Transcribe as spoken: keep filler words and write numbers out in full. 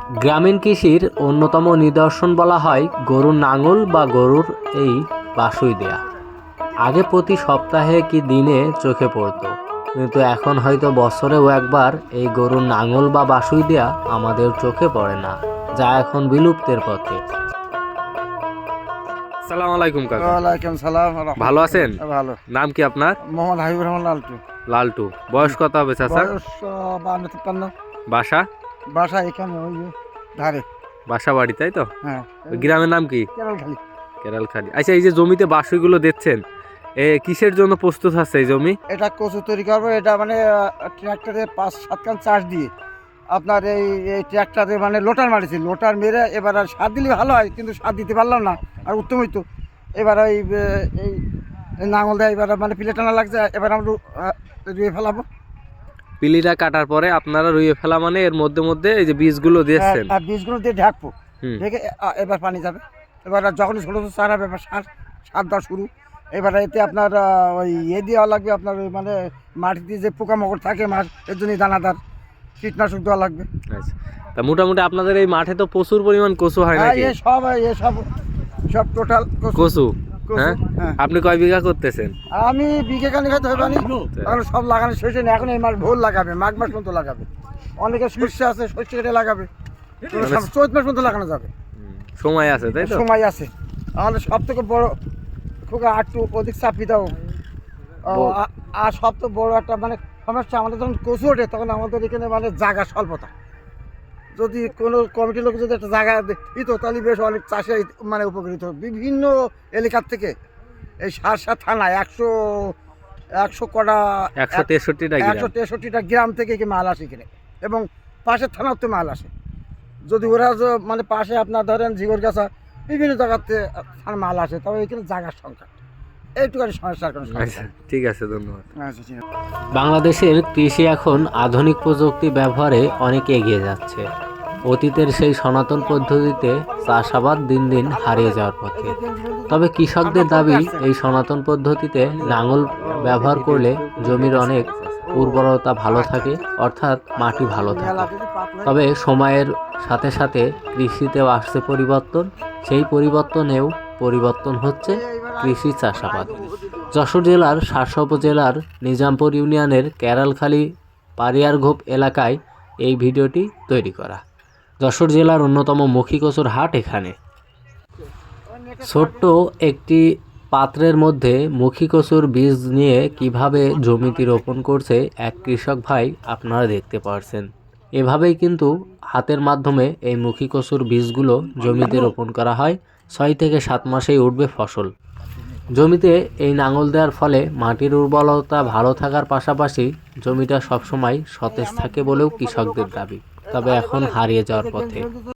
গ্রামীণ কৃষির অন্যতম নিদর্শন বলা হয় গরুর নাঙল বা গরুর এই বাছুই দেয়া। আগে প্রতি সপ্তাহে কি দিনে চোখে পড়তো, কিন্তু এখন হয়তো বছরেও একবার এই গরুর নাঙল বা বাছুই দেয়া আমাদের চোখে পড়ে না, যা এখন বিলুপ্তের পথে। আসসালামু আলাইকুম কাকা। ওয়ালাইকুম সালাম। ভালো আছেন? ভালো। নাম কি আপনার? মোহাম্মদ হাবিবুর রহমান লালটু। লালটু। বয়স কত হবে চাচা? বয়স বান্ন তিপ্পান্ন। বাসা? বাসা এখানে ওই যে ধারে। বাসা বাড়ি, তাই তো? হ্যাঁ। ওই গ্রামের নাম কি? কেরালখালী। কেরালখালী। আচ্ছা, এই যে জমিতে বাছুইগুলো দেখছেন, এ কিসের জন্য প্রস্তুত হচ্ছে এই জমি? এটা কচু তৈরি করবো। এটা মানে ট্র্যাক্টরে পাঁচ সাত খান চাষ দিয়ে আপনার এই এই ট্র্যাক্টরে মানে লোটার মারিছি, লোটার মেরে এবার আর সার দিলে ভালো হয়, কিন্তু সার দিতে পারলাম না, আর উত্তম হইতো। এবার এই এই নাঙল দেয়, এবার মানে পিলে টানা লাগছে, এবার আমরা রুয়ে ফেলাবো। পিলিটা কাটার পরে আপনারা রুইয়ে ফেলা মানে এর মধ্যে মধ্যে এই যে বীজগুলো দিয়েছেন, আর বীজগুলো দিয়ে ঢাকবো, হুম। ঢেকে এবার পানি যাবে। এবার যখন ছোটো ছোটো চারা হবে এবার সার সার দেওয়া শুরু। এবার এতে আপনার ওই ইয়ে দেওয়া লাগবে, আপনার ওই মানে মাটিতে যে পোকামাকড় থাকে মাছ, এর জন্যই দানাদার কীটনাশক দেওয়া লাগবে। আচ্ছা, তা মোটামুটি আপনাদের এই মাঠে তো প্রচুর পরিমাণ কচু হয় হ্যাঁ, নাকি? এ সব এ সব সব টোটাল কচু। হ্যাঁ, হ্যাঁ, আপনি কয় বিঘা করতেছেন? আমি বিঘে কানি হয়তো হবে না, কারণ সব লাগানো শেষ হয়নি। এখন এই মাস ভোর লাগাবে, মাঘ মাস পর্যন্ত লাগাবে। অনেকে সর্ষে আছে, সর্ষে কেটে লাগাবে, চৈত মাস পর্যন্ত লাগানো যাবে। সময় আছে, তাই তো? সময় আছে। আমাদের সব থেকে বড় খুব আটটু অধিক চাপি দাও। আর সব থেকে বড় একটা মানে সমস্যা, আমাদের যখন কচু ওঠে তখন আমাদের এখানে মানে জায়গা স্বল্পতা। যদি কোনো কমিটির লোক যদি একটা জায়গা দিত তাহলে বেশ অনেক চাষে মানে উপকৃত। বিভিন্ন এলাকার থেকে এই সারসা থানায় একশো একশো কটা একশো তেষট্টিটা একশো তেষট্টিটা গ্রাম থেকে কি মাল আসে এখানে, এবং পাশের থানার তো মাল আসে। যদি ওরা মানে পাশে আপনার ধরেন ঝিগরগাছা বিভিন্ন জায়গাতে মাল আসে, তবে এখানে জায়গার সংখ্যা এইটুখানি সমস্যার কোনো সমস্যা। ঠিক আছে, ধন্যবাদ। আচ্ছা, ঠিক আছে। বাংলাদেশের কৃষি এখন আধুনিক প্রযুক্তি ব্যবহারে অনেক এগিয়ে যাচ্ছে। অতীতের সেই সনাতন পদ্ধতিতে চাষাবাদ দিন দিন হারিয়ে যাওয়ার পথে। তবে কৃষকদের দাবি, এই সনাতন পদ্ধতিতে লাঙল ব্যবহার করলে জমির অনেক উর্বরতা ভালো থাকে, অর্থাৎ মাটি ভালো থাকে। তবে সময়ের সাথে সাথে কৃষিতেও আসছে পরিবর্তন, সেই পরিবর্তনেও পরিবর্তন হচ্ছে কৃষি চাষাবাদ। যশোর জেলার শার্শা উপজেলার নিজামপুর ইউনিয়নের কেরালখালী পারিয়ারঘোপ এলাকায় এই ভিডিওটি তৈরি করা। যশোর জেলার অন্যতম মুখী কচুর হাট এখানে। ছোট্ট একটি পাত্রের মধ্যে মুখী কচুর বীজ নিয়ে কিভাবে জমিতে রোপণ করছে এক কৃষক ভাই, আপনারা দেখতে পাচ্ছেন। এভাবেই কিন্তু হাতের মাধ্যমে এই মুখী কচুর বীজগুলো জমিতে রোপণ করা হয়। ছয় থেকে সাত মাসেই উঠবে ফসল। জমিতে এই নাঙল দেওয়ার ফলে মাটির উর্বরতা ভালো থাকার পাশাপাশি জমিটা সবসময় সতেজ থাকে বলেও কৃষকদের দাবি, তবে এখন হারিয়ে যাওয়ার পথে।